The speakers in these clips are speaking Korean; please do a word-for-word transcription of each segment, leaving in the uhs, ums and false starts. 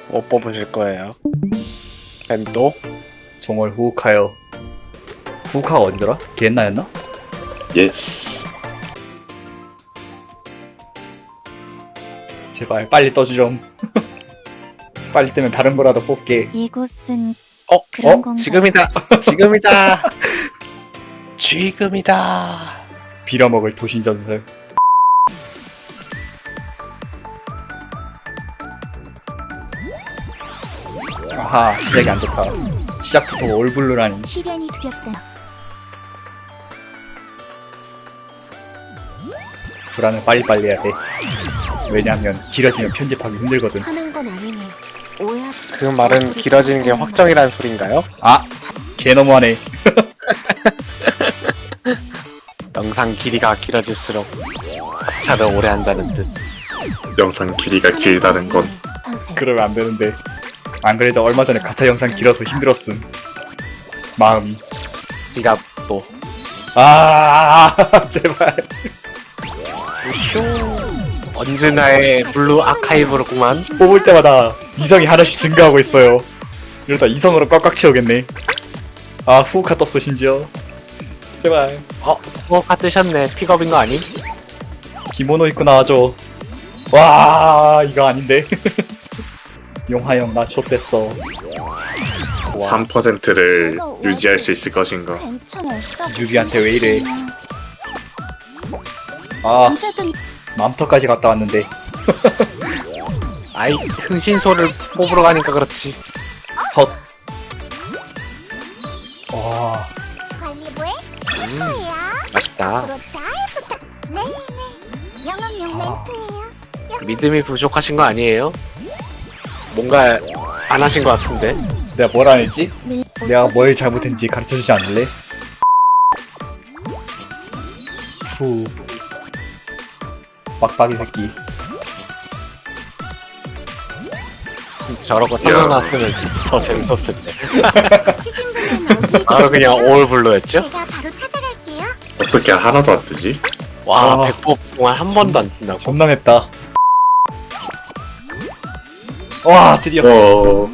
뭐 뽑으실 거예요? 벤도? 정월 후우카요. 후우카가 어디더라? 기엔나였나? 예스. 제발 빨리 떠주 좀. 빨리 뜨면 다른 거라도 뽑게. 이곳은 어? 그런 어? 건가요? 지금이다! 지금이다! 지금이다! 빌어먹을 도신전설. 아하, 시작이 안 좋다. 시작부터 올블루라니. 시련이 두렵다. 불안을 빨리빨리 해야 돼. 왜냐하면 길어지면 편집하기 힘들거든. 화난 건 아니네요. 오야. 그 말은 길어지는 게 확정이라는 소린가요? 아! 개 너무하네. 영상 길이가 길어질수록 차를 오래 한다는 뜻. 영상 길이가 길다는 건 그러면 안 되는데. 안 그래도 얼마 전에 가차 영상 길어서 힘들었음. 마음이. 지갑도. 아, 제발. 휴. 언제나의 블루 아카이브로구만. 뽑을 때마다 이성이 하나씩 증가하고 있어요. 이러다 이성으로 꽉꽉 채우겠네. 아, 후우카 떴어 심지어. 제발. 어? 뭐가 뜨셨네. 픽업인 거 아님? 기모노 입고 나와줘. 와, 이거 아닌데. 용하영 나 좆됐어. 삼 퍼센트를 유지할 수 있을 것인가. 유비한테 왜 이래. 아, 언제든 맘터까지 갔다 왔는데. 아이, 흥신소를 뽑으러 가니까 그렇지. 헛. 와, 관리부의 음, 맛있다. 네네. 영업용 아. 멘트예요. 믿음이 부족하신 거 아니에요? 뭔가 안 하신 것 같은데? 내가 뭘 안 했지? 내가 뭘 잘못했는지 가르쳐주지 않을래? 후. 빡빡이 새끼. 저러고 생각났으면 진짜 더 재밌었을 텐데. 치신분은 어디 바로 그냥 올블루였죠? 제가 바로 찾아갈게요. 어떻게 하나도 안 뜨지? 와, 아. 백법 동안 한 번도 안 뜬다고. 존나 맵다. 와, 드디어. 어...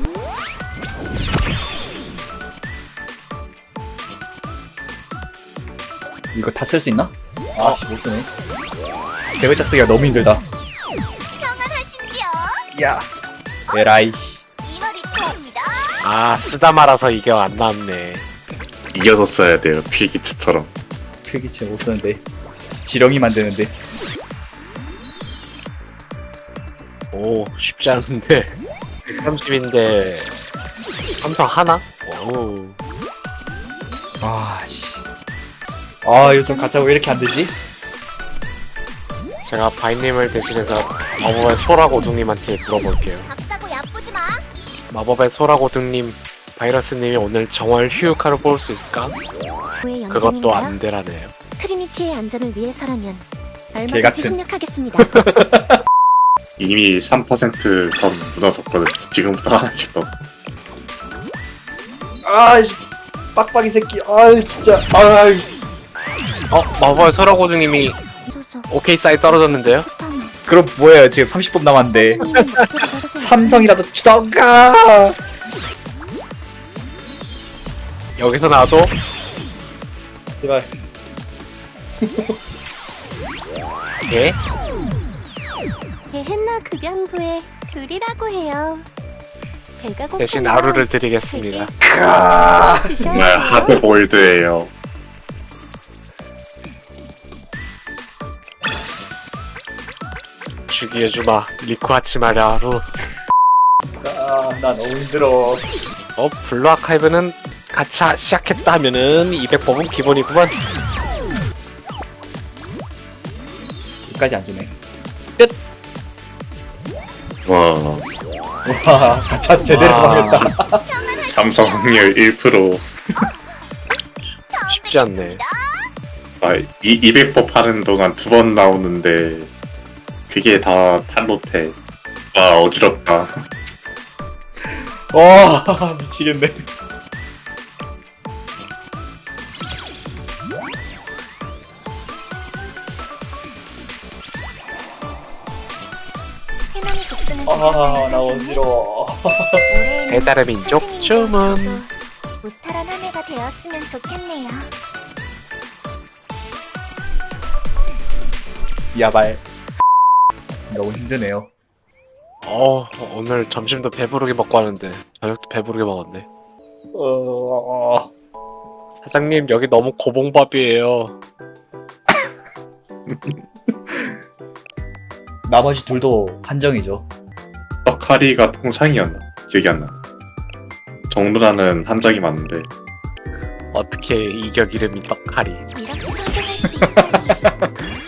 이거 다 쓸 수 있나? 아, 씨, 못 쓰네. 개발자 쓰기가 너무 힘들다. 평안하신지요? 야. 에라이. 이월이 토입니다. 아, 쓰다 말아서 이게 안 나왔네. 이겨서 써야 돼요. 필기트처럼. 필기체 못 쓰는데. 지렁이 만드는데. 오, 쉽지 않은데. 백삼십인데 삼성 하나? 오. 아, 씨. 아, 요즘 가짜 왜 이렇게 안 되지? 제가 바이님을 대신해서 마법의 소라고둥님한테 물어볼게요. 작다고 야쁘지 마. 마법의 소라고둥님, 바이러스님이 오늘 정월 휴유카를 뽑을 수 있을까? 그것도 안 되라네요. 트리니티의 안전을 위해서라면 개 얼마든지 같은. 협력하겠습니다. 이미 삼 퍼센트 선 무너졌거든. 지금부터 하나씩 더. 아이, 빡빡이 새끼. 아이, 진짜. 아이. 어? 마법의 소라고둥님이 소소. 오케이 사이 떨어졌는데요? 그럼 뭐예요? 지금 삼십 분 남았는데. 삼성이라도 주던가. 여기서 나도 제발. 예? 게헨나 극양부의 줄이라고 해요. 배가 고프면 대신 하루를 드리겠습니다. 되게 정말 주셔야 하드보일드예요. 주기해주마 리쿠하치마라루. 아, 나 너무 힘들어. 어? 블루 아카이브는 가차 시작했다 하면은 이백 법은 기본이구만. 여기까지 안 주네. 와, 와, 가차 제대로 와. 망했다. 삼성 확률 일 퍼센트. 쉽지 않네. 아, 이 이백 법 하는 동안 두 번 나오는데 그게 다 탈로테. 아, 어지럽다. 와, 미치겠네. 해남이 독수는 아, 나 주셔야 어지러워. 올해는 배달의 민족 선생님도 주문. 저도 무탈한 한 해가 되었으면 좋겠네요. 야발. 너무 힘드네요. 어 오늘 점심도 배부르게 먹고 하는데 저녁도 배부르게 먹었네. 어... 사장님 여기 너무 고봉밥이에요. 나머지 둘도 한정이죠. 떡하리가 통상이었나? 기억이 안 나. 정누라는 한정이 맞는데 어떻게 이격 이름이 떡하리. 이렇게 성장할 수 있다니